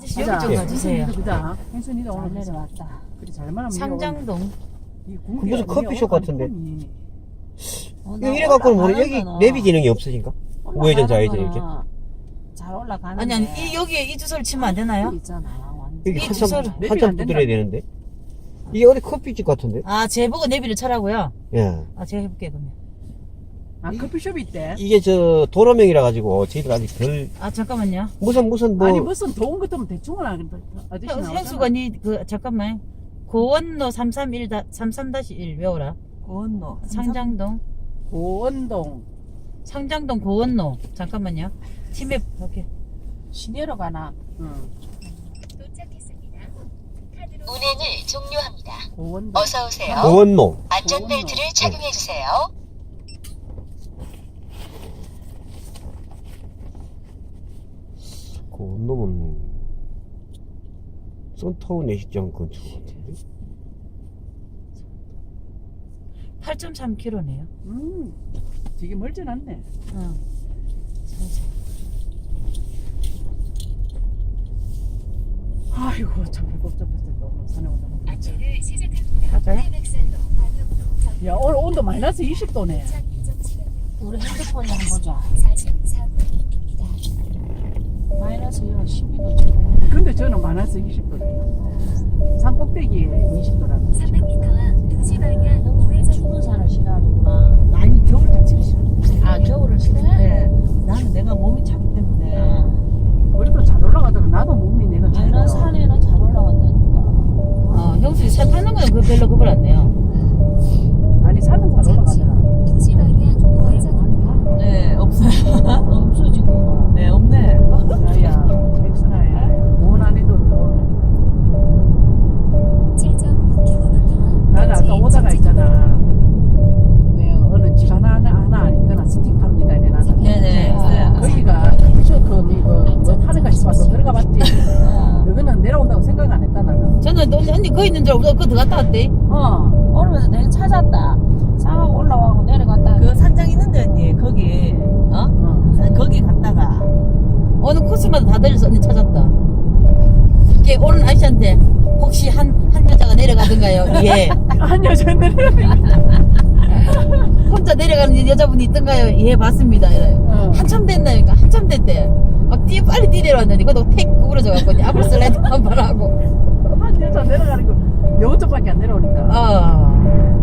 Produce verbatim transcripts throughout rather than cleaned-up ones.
아저씨 여기 좀 가주세요. 그다. hensun이가 오늘 잘 내려왔다. 그래 잘 말하면 상장동. 그 무슨 커피숍 같은데. 어, 이거 이래 갖고는 모르 여기 내비 기능이 없으신가? 우회전 좌회전 이렇게. 잘 올라가는데. 아니 아니 이, 여기에 이 주소를 치면 안 되나요? 있잖아. 완전. 여기 이 한참 주소를 한참 두드려야 되는데. 이게 어디 커피집 같은데? 아, 제보고 내비를 쳐라고요? 예. 아, 제가 해볼게요, 그러면. 아 커피숍이 있대. 이게 저 도로명이라 가지고 저희들 아직 덜 아, 잠깐만요. 무슨 무슨 뭐 아니 무슨 좋은 것들은 대충은 안 아저씨 현- 나오잖아. 현수가 니, 그, 잠깐만. 고원로 삼삼일, 삼삼 일 외워라. 고원로. 상장동. 고원동. 상장동 고원로. 잠깐만요. 팀에, 오케이. 시내로 가나? 응. 운행을 종료합니다. 고원동. 어서 오세요. 고원로. 안전벨트를 착용해 주세요. 고원로는 썬타운 내식장 근처 같은데. 팔 점 삼 킬로미터네요. 음. 되게 멀진 않네. 응. 아이고 참 배고프다. 너무 산에 오다. 안전을 시작합니다. 맞아요? 야 오늘 온도 마이너스 이십 도네. 우리 핸드폰에 한번 보자. 마이너스 십이 도죠. 근데 저는 마이너스 이십 도래요. 산 꼭대기에 이십 도라고. 삼백 미터 앞 도시 방향 너무 우회전. 추운 산을 싫어하는구나. 아니 겨울 자체가 싫어. 아, 겨울을 싫어해? 네. 나는 내가 몸이 차기 때문에. 그래도 잘 올라가더라. 나도 몸이 내가 잘 다른 올라가. 산에는 잘 올라간다니까. 어, 형수 새 타는 거는 그 별로 그걸 안 내요. 아니 산은 잘 올라가더라. 도시 방향 우회전입니다. 네, 없어요. 없어지고 봐. 네, 없네. 야야 백순아야 고난이도 칠 점 구 킬로미터. 나는 아까 오다가 있잖아. 왜 어느 집 하나 하나 하나 안 있더나 스틱팝니다 이래 나는. 네네. 아, 거기가 커피숍 그 이거 뭐 파는가 싶어서 들어가봤지. 너는 내려온다고 생각 안 했다 나는. 저는 또 언니 거기 있는 줄 알고 그거 들어갔다 왔대. 어. 오르면서 내가 찾았다. 상하고 올라가고 내려갔다. 그 산장 있는데 언니 거기 어? 어. 거기 갔다가 어느 코스마다 다 들려서 언니 찾았다. 이게 오는 아저씨한테 혹시 한, 한 여자가 내려가던가요? 예. 한 여자들. 혼자 내려가는 여자분이 있던가요? 예, 봤습니다. 이래요. 어. 한참 됐나니까 한참 됐대. 막 뛰어 빨리 뛰내려왔는데 그것도 택 구부러져갖고 이제 앞으로 슬라이드 한 번 하고. 한 여자 내려가는 거 여 쪽밖에 안 내려오니까. 어.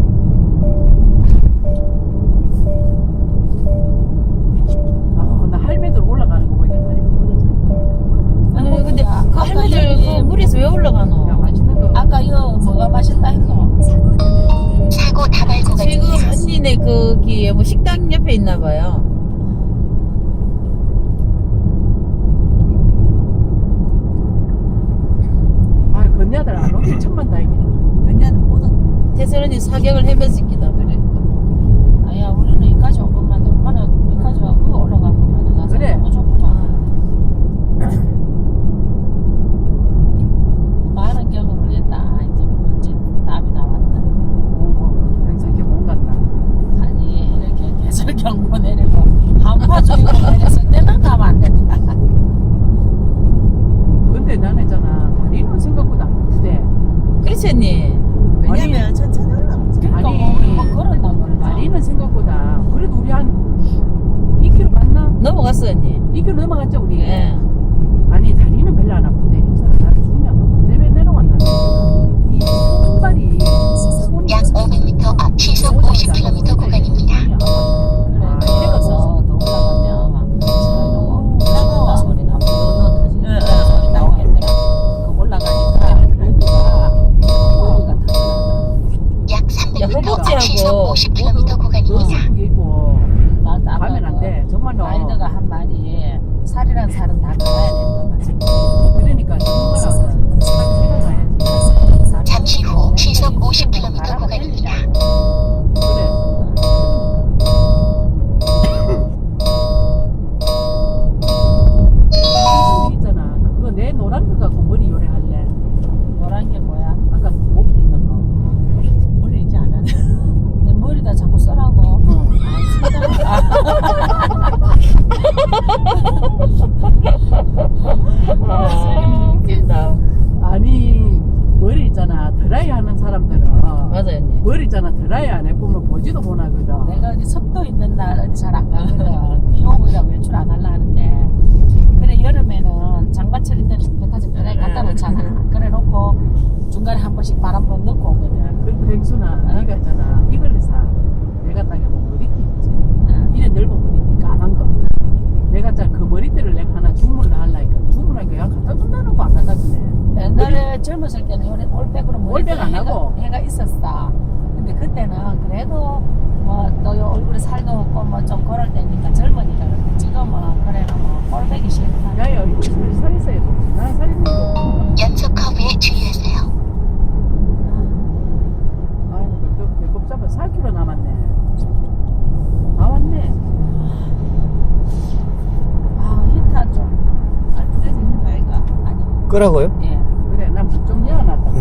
아, 나 할매들 올라가는 거 보니까 다리 부러져. 아니 근데 아, 그 아까 할머니들 여기 그 물에서 왜 야 올라가노? 맛있는 거. 아까 이거 뭐가 맛있다 했노? 사고 다발 지금 구간입니다. 언니네 거기에 뭐 식당 옆에 있나봐요. 아 건야들 안 오길 천만 다행이다. 그녀는 모든 태선 언니 사격을 해면식기다. 그래. 아야, 우리는 여기까지 온 것만 해. 엄마는 여기까지 와고 올라간 것만 해. 나서 그래. 너무 좋구만. 많은 경험을 했다. 이제 이제 답이 나왔다. 오, 항상 이렇게 못 간다. 아니, 이렇게 계속 경보 내리고 한파주의보 내려서 때만 가면 안 된다. 근데 나는 있잖아 다리는 생각보다 안 아프대. 그렇지 언니. 왜냐면 천천히 올라가지. 그러니까 아니, 뭐 우리 뭐 그런단 말이야. 다리는 생각보다 그래도 우리 한 이 킬로미터 갔나? 넘어갔어 언니. 이 킬로미터 넘어갔죠 우리. 예. 아니 다리는 별로 안 아픈데 형사는 나를 중요한 건 때문에 내려왔나? 이 손발이 손이 약 오백 미터 앞 시속 오십 킬로미터 구간입니다. 그래, 아, 내려서 이래서 더 올라가면 막 차가 소리 나고 응, 응. 소리 나오겠네. 그 올라가니까 여기가 여기가 터지는다. 약 삼백 야, 미터 허벅지하고 앞 시속 오십 킬로미터 너무 구간입니다. 아프게 있고 맞아. 가면 안 돼. 정말로. 라이더가 한 말이 살이란 살은 다 갈아야 된다. 그러니까 정말 생각해야지. 잠시 후 시속 오십 킬로미터 구간입니다. 그래. 무슨 있잖아. 그거 내 노란 거 갖고 머리 요래할래. 노란 게 뭐야? 아까 목 있는 거. 머리 이제 안 하네. 내 머리다 자꾸 써라고. 어. 아, 있잖아. 드라이 안 해보면 보지도 못하거든. 내가 어디 습도 있는 날 어디 잘 안 가거든. 비 오고 이러면 외출 안 하려 하는데. 그래 여름에는 장마철일 때는 백화점 드라이 갖다 놓잖아. 그래 놓고 중간에 한 번씩 바람 번 넣고 오거든. 그 백순아, 네가 있잖아. 이걸 사. 내가 딱 해보면 머리띠 있지. 응. 이래 넓은 머리띠 까만 거. 내가 짠 그 머리띠를 내가 하나 주문을 하려니까 주문하니까 야 갖다 준다는 거 안 갖다 주네. 옛날에 젊었을 때는 요래 올백으로 올백 안 해가, 하고. 해가 있었어. 근데 그때는 그래도 뭐또 얼굴에 살도 없고 뭐 좀 그럴 때니까 젊으니까 그런데 지금은 그래는 뭐 올백이 싫다. 야야 이거 살, 살 있어야 돼. 난 살 있는 거. 연속 커브에 주의하세요. 아이고 저 배꼽 잡아 사 킬로그램 남았네. 다 왔네. 아 히타 좀 알프레스 있는 거 아이가? 아니 끄라고요? 예. 그래 난 문 좀 열어놨다.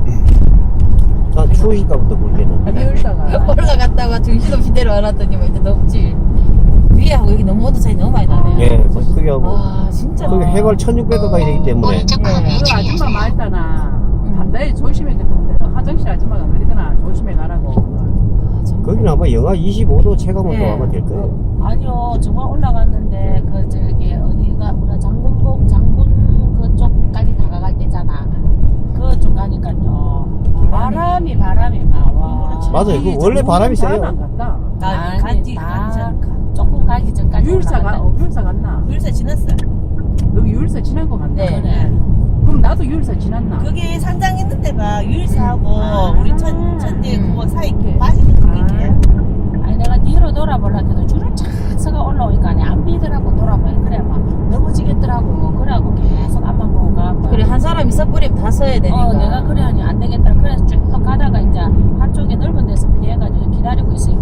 난 추우실까부터 모르겠는데. 비 올다가 올라갔다가 정신없이 내려와놨더니 뭐 이제 덥지. 위하고 여기 너무 온도 차이 너무 많이 나네. 예, 뭐 크게 하고. 와 진짜. 거기 해발 천육백 가까이 되기 때문에. 오른쪽 예. 커브에 그 아줌마 주의하세요. 말다나 단단히 조심해 그랬는데 화장실 아줌마가 그러더나 조심해 가라고. 아, 정말. 거기는 아마 영하 이십오 도 체감온도 예. 아마 될 거예요. 아니요 정말 올라갔는데 그 저기 어디가 우리가 장군복 장군 그쪽까지 다가갈 때잖아. 그쪽 가니까요 바람이 바람이 나와. 맞아요. 그 원래 바람이 세요. 안 갔다. 나 아니, 간지 다 간지 전 조금 가기 전까지 유일사가 올라갔다. 어, 유일사 갔나? 불사 지났어. 여기 유일사 지난 거 같나? 네. 그래. 그럼 나도 유일사 지났나? 그게 상장 있는 데가 유일사하고 아. 우리 천 천대 음. 그거 사이 이렇게. 빠지는 그게. 아니 내가 뒤로 돌아보려 해도 줄을 착 서가 올라오니까 아니 안 비더라고 돌아봐요. 그래 막 넘어지겠더라고. 그래갖고 계속 앞만 보고 가고. 그래 한 사람이 섣부리면 다 서야 되니까. 어 내가 그래 하니 안 되겠다. 그래서 쭉 가다가 이제 한쪽에 넓은 데서 피해가지고 기다리고 있으니까